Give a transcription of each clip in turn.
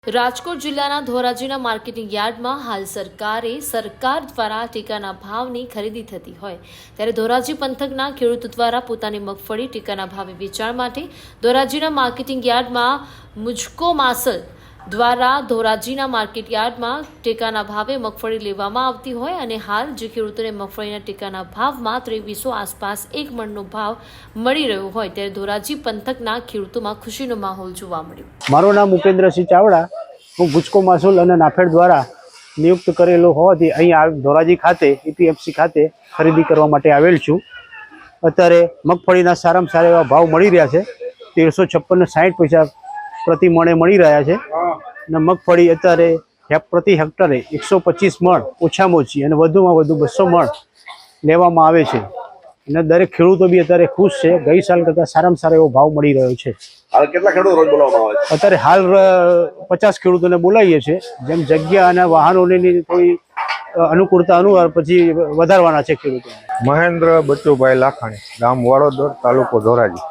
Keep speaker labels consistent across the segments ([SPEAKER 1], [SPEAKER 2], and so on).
[SPEAKER 1] રાજકોટ જિલ્લાના ધોરાજીના માર્કેટિંગ યાર્ડમાં હાલ સરકાર દ્વારા ટેકાના ભાવની ખરીદી થતી હોય ત્યારે ધોરાજી પંથકના ખેડૂતો દ્વારા પોતાની મગફળી ટેકાના ભાવે વેચાણ માટે ધોરાજીના માર્કેટિંગ યાર્ડમાં મુજકો માસલ દ્વારા ધોરાજીના માર્કેટ યાર્ડમાં ટેકાના ભાવે મગફળી લેવામાં આવતી હોય અને હાલ જે ખેડૂતોને મગફળીના ટેકાના ભાવમાં 2300 આસપાસ એક મણનો ભાવ મળી રહ્યો હોય ત્યારે ધોરાજી પંથકના ખેડૂતોમાં ખુશીનો માહોલ જોવા મળ્યો।
[SPEAKER 2] મારું નામ ઉપેન્દ્રસિંહ ચાવડા, હું ગુજકો માસુલ અને નાફેડ દ્વારા નિયુક્ત કરેલો હોવાથી અહીં ધોરાજી ખાતે EPFC ખાતે ખરીદી કરવા માટે આવેલ છું। અત્યારે મગફળીના સારામાં સારા એવા ભાવ મળી રહ્યા છે। 1356.60 પૈસા પ્રતિ મણે મળી રહ્યા છે અને મગફળી અત્યારે પ્રતિ હેક્ટરે 125 મણ ઓછામાં ઓછી અને વધુમાં વધુ 200 મણ લેવામાં આવે છે અને દરેક ખેડૂતો બી અત્યારે ખુશ છે। ગઈ સાલ કરતાં સારામાં સારો એવો ભાવ મળી રહ્યો છે।
[SPEAKER 3] હાલ કેટલા ખેડૂતો રોજ બોલાવવામાં આવે છે?
[SPEAKER 2] અત્યારે હાલ 50 ખેડૂતોને બોલાવીએ છીએ। જેમ જગ્યા અને વાહનોની થોડી અનુકૂળતા અનુસાર પછી વધારવાના છે ખેડૂતો।
[SPEAKER 4] મહેન્દ્ર બચુભાઈ લાખાણી, ગામ વાડોદર, તાલુકો ધોરાજી।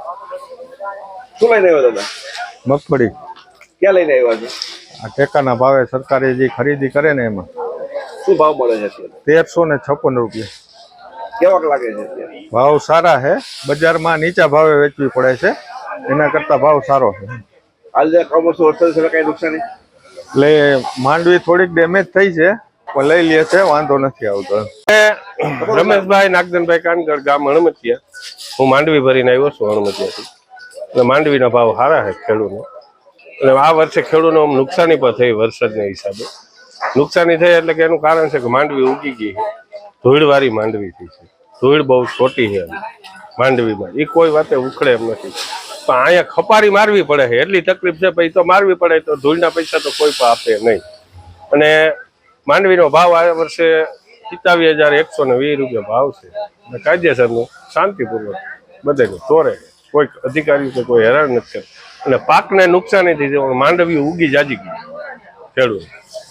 [SPEAKER 3] શું લઈને આવ્યા દાદા?
[SPEAKER 4] મગફળી
[SPEAKER 3] ક્યાં લઈને આવ્યા છે?
[SPEAKER 4] આ ટેકાના ભાવે સરકારે જે ખરીદી કરે ને એમાં
[SPEAKER 3] શું ભાવ મળે છે અત્યારે?
[SPEAKER 4] 1356 રૂપિયા
[SPEAKER 3] કેવાક લાગે છે અત્યારે?
[SPEAKER 4] ભાવ સારા છે। બજારમાં નીચા ભાવે વેચવી પડે છે, એના કરતા ભાવ સારો છે।
[SPEAKER 3] હાલ જે કમોસમ વરસાદ છે કઈ નુકસાની?
[SPEAKER 4] એટલે માંડવી થોડીક ડેમેજ થઈ છે પણ લઈ લે છે, વાંધો નથી આવતો।
[SPEAKER 5] રમેશભાઈ નાગદનભાઈ કાનગર, ગામ હણમતિયા। હું માંડવી ભરીને આવ્યો છું હણમતિયાથી। એટલે માંડવીના ભાવ સારા છે ખેડૂતનો। એટલે આ વર્ષે ખેડૂતનો નુકસાની પણ થઈ વરસાદના હિસાબે। નુકસાની થઈ એટલે કે એનું કારણ છે કે માંડવી ઉગી ગઈ છે, ધૂળવાળી માંડવી થઈ છે। ધૂળ બહુ છોટી છે માંડવીમાં, એ કોઈ વાતે ઉખડે એમ નથી, પણ અહીંયા ખપારી મારવી પડે છે, એટલી તકલીફ છે। પછી તો મારવી પડે તો ધૂળના પૈસા તો કોઈ પણ આપે નહીં। અને માંડવીનો ભાવ આ વર્ષે 27,120 રૂપિયા ભાવ છે અને કાયદેસરનું શાંતિપૂર્વક બધાને તોરે, કોઈ અધિકારી કે કોઈ હેરાન નથી કરતું અને પાકને નુકસાની થઈ છે। માંડવી ઉગી જાજી ગઈ ખેડૂત।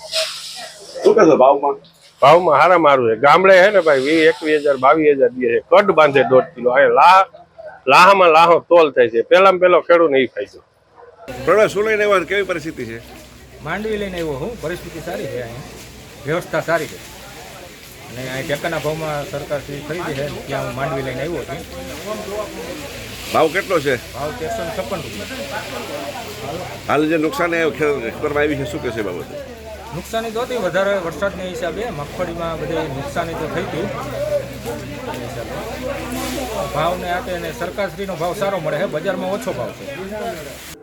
[SPEAKER 3] શું કહેશો ભાવમાં?
[SPEAKER 5] ભાવમાં હારા મારું છે। ગામડે હે ને ભાઈ 21,000 22,000 દે છે, કડ બાંધે 1.5 કિલો। અહીંયા લાહામાં લાહો તોલ થાય છે। પહેલામાં પહેલો ખેડૂત નહીં ફાયદો।
[SPEAKER 3] પ્રણવ, શું લઈને આવ્યા? કેવી પરિસ્થિતિ છે?
[SPEAKER 6] માંડવી લઈને આવ્યો હું। પરિસ્થિતિ સારી છે, અહીંયા વ્યવસ્થા સારી છે અને અહીં ટેકાના ભાવમાં સરકારશ્રી ખરીદી છે, ત્યાં હું માંડવી લઈને આવ્યો છું।
[SPEAKER 3] ભાવ કેટલો છે?
[SPEAKER 6] ભાવ 1356 રૂપિયા।
[SPEAKER 3] હાલ જે નુકસાન કરવામાં આવી છે શું કહેશે બાબતે?
[SPEAKER 6] નુકસાની તો હતી વધારે વરસાદના હિસાબે, મગફળીમાં બધી નુકસાની તો થઈ હતી એ હિસાબે ભાવને આપે અને સરકારશ્રીનો ભાવ સારો મળે છે, બજારમાં ઓછો ભાવ છે।